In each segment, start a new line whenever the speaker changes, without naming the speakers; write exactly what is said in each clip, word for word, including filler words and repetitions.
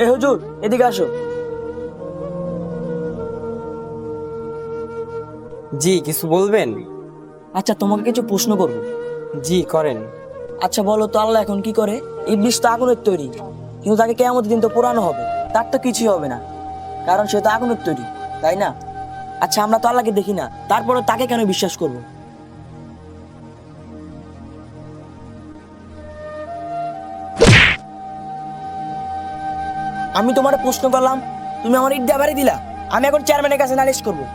এই হুজুর, এদিকে আসো।
জি, কিছু বলবেন?
আচ্ছা, তোমাকে কিছু প্রশ্ন করবো।
জি করেন।
আচ্ছা বলো তো, আল্লাহ এখন কি করে? ইবলিস তো আগুনের তৈরি, কিন্তু তাকে কিয়ামতের দিন তো পোড়ানো হবে, তার তো কিছুই হবে না, কারণ সে তো আগুনের তৈরি, তাই না? আচ্ছা, আমরা তো আল্লাহকে দেখি না, তারপরে তাকে কেন বিশ্বাস করবো? আমি তোমার প্রশ্ন করলাম, তুমি আমার ইট দিয়ে বাড়ি দিলা। আমি এখন চেয়ারম্যানের কাছে নালিশ করবো।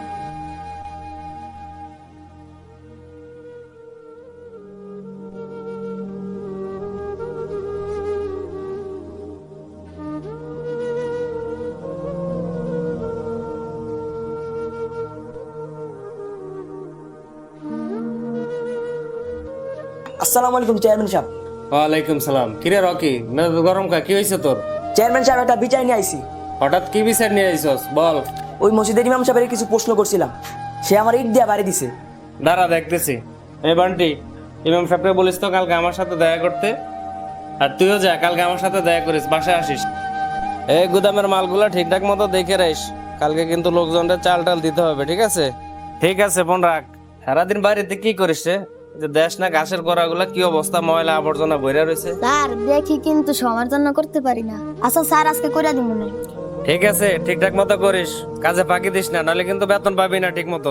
আসসালামু আলাইকুম চেয়ারম্যান সাহেব।
ওয়ালাইকুম সালাম। কিরে রকি, মেজাজ গরম কা? কি হয়েছে তোর?
চেয়ারম্যান সাহেব, একটা বিচার নিয়ে আইছি।
হঠাৎ কি বিচার নিয়ে আইছস বল।
ওই মসজিদের ইমাম সাহেবের কিছু প্রশ্ন করছিলাম, সে আমার ইট দিয়ে বাড়ি দিছে।
দাঁড়া দেখতেছি। এই বান্টি, ইমাম সাহেবকে বলিস তো কালকে আমার সাথে দেখা করতে। আর তুইও যা, কালকে আমার সাথে দেখা করিস, বাসায় আসিস। এই গুদামের মালগুলা ঠিকঠাক মতো দেখে রাখিস, কালকে কিন্তু লোকজনদের চাল টাল দিতে হবে, ঠিক আছে? ঠিক আছে, ফোন রাখ। সারাদিন বাড়িতে কি করিস রে? যে দেশ না ঘাসের গোড়াগুলা কি অবস্থা, ময়লা আবর্জনা ভরে রয়েছে।
স্যার দেখি কিন্তু সবার জন্য করতে পারি না। আচ্ছা স্যার, আজকে করে দিব না।
ঠিক আছে, ঠিকঠাক মতো করিস, কাজে ফাঁকি দিস না, নাহলে কিন্তু বেতন পাবি না ঠিক মতো।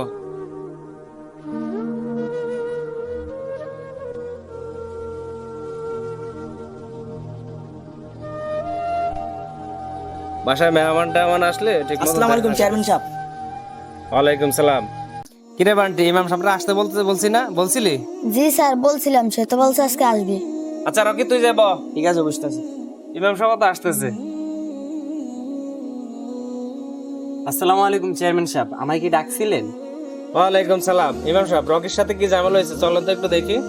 বাসায় মেহমান টেহমান আসলে ঠিক মতো।
আসসালামু আলাইকুম চেয়ারম্যান সাহেব।
ওয়ালাইকুম সালাম। কিরে বান্টি, ইমাম সাহেবরা আসতে বলতে বলছি না, বলছিলি?
জি স্যার বলছিলাম, সে তো বলছে আজকে আসবে।
আচ্ছা রকি, তুই যাব।
ঠিক আছে, বুঝতেছি।
ইমাম সাহেব তো আসতেছে।
আসসালামু আলাইকুম চেয়ারম্যান সাহেব, আমায় কি ডাকছিলেন?
ওয়ালাইকুম সালাম। ইমাম সাহেব, রকির সাথে কি ঝামেলা হয়েছে? চলো তো একটু দেখি।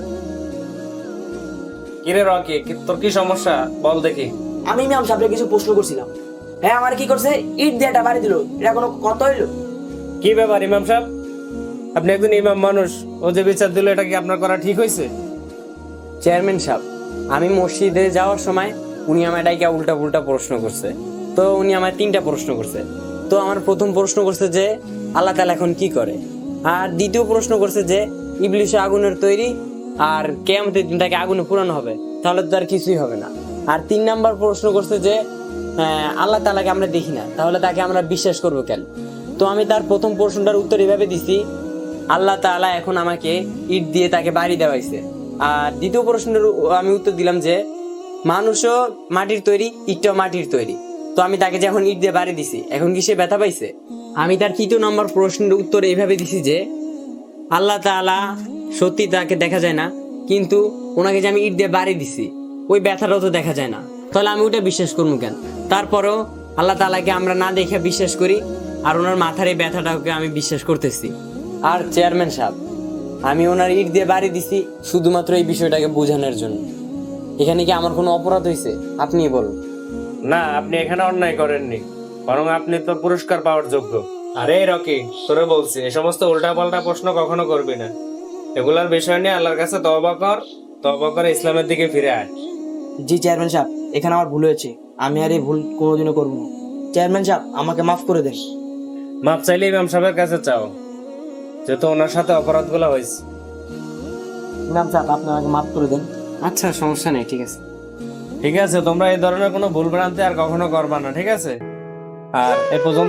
কিরে রকি, কি- তোর কি সমস্যা বল দেখি।
আমি ইমাম সাহেবকে কিছু প্রশ্ন করছিলাম, হ্যাঁ আমার কি করছে, ইট দিয়ে একটা বাড়ি দিল, এটা কোনো কথা হইলো?
কি ব্যাপার ইমাম সাহেব? আপনি একজন ইমাম মানুষ, ও যে বিচার দিল, এটা কি আপনার করা ঠিক হয়েছে?
চেয়ারম্যান সাহেব, আমি মসজিদে যাওয়ার সময় উনি আমায় ডাইকা উল্টা পুল্টা প্রশ্ন করছে। তো উনি আমায় তিনটা প্রশ্ন করছে। তো আমার প্রথম প্রশ্ন করছে যে আল্লাহ তাআলা এখন কি করে, আর দ্বিতীয় প্রশ্ন করছে যে ইবলিশ আগুনের তৈরি, আর কিয়ামতের দিন তাকে আগুনে পুরানো হবে, তাহলে তো আর কিছুই হবে না। আর তিন নাম্বার প্রশ্ন করছে যে আহ, আল্লাহ তাআলাকে আমরা দেখি না, তাহলে তাকে আমরা বিশ্বাস করবো কেন? তো আমি তার প্রথম প্রশ্নটার উত্তর এভাবে দিছি, আল্লাহ তাআলা এখন আমাকে ইট দিয়ে তাকে বাড়ি দেওয়াইছে। আর দ্বিতীয় প্রশ্নের উ- আমি উত্তর দিলাম যে মানুষও মাটির তৈরি, ইটটাও মাটির তৈরি। তো আমি তাকে যখন ইট দিয়ে বাড়ি দিছি, এখন কি সে ব্যথা পাইছে? আমি তার তৃতীয় নম্বর প্রশ্নের উত্তর এইভাবে দিছি যে আল্লাহ তাআলা সত্যি তাকে দেখা যায় না, কিন্তু ওনাকে যে আমি ইট দিয়ে বাড়ি দিছি, ওই ব্যথাটাও তো দেখা যায় না, তাহলে আমি ওটা বিশ্বাস করবো কেন? তারপরেও আল্লাহ তাআলাকে আমরা না দেখে বিশ্বাস করি, আর ওনার মাথার এই ব্যথাটাকে আমি বিশ্বাস করতেছি। আর চেয়ারম্যান সাহেব, আমি ওনার ইট দিয়ে বাড়ি দিছি শুধুমাত্র এই বিষয়টাকে বোঝানোর জন্য। এখানে কি আমার কোনো অপরাধ হয়েছে? আপনি বলুন।
না, আপনি এখানে অন্যায় করেননি, বরং আপনি তো পুরস্কার পাওয়ার যোগ্য। আরে রকি, তোরে বলছি, এই সমস্ত উল্টা পাল্টা প্রশ্ন কখনো করবি না। এগুলার বিষয় নিয়ে আল্লাহর কাছে তওবা কর, তওবা করে ইসলামের দিকে ফিরে আয়।
জি চেয়ারম্যান সাহেব, এখানে আমার ভুল হয়েছে, আমি আর এই ভুল কোনোদিনও করবো না। চেয়ারম্যান সাহেব, আমাকে মাফ করে দেন।
মাপ চাইলে ইমাম সাহেবের কাছে চাও, যেহেতু ওনার সাথে অপরাধগুলো হয়েছে।
ইমাম সাহেব, আপনি আমাকে মাফ করে দেন।
আচ্ছা, সমস্যা নেই, ঠিক আছে।
ঠিক আছে, তোমরা এই ধরনের কোনো ভুল ভ্রান্তি আর কখনো করবা না, ঠিক আছে? আর এ পর্যন্ত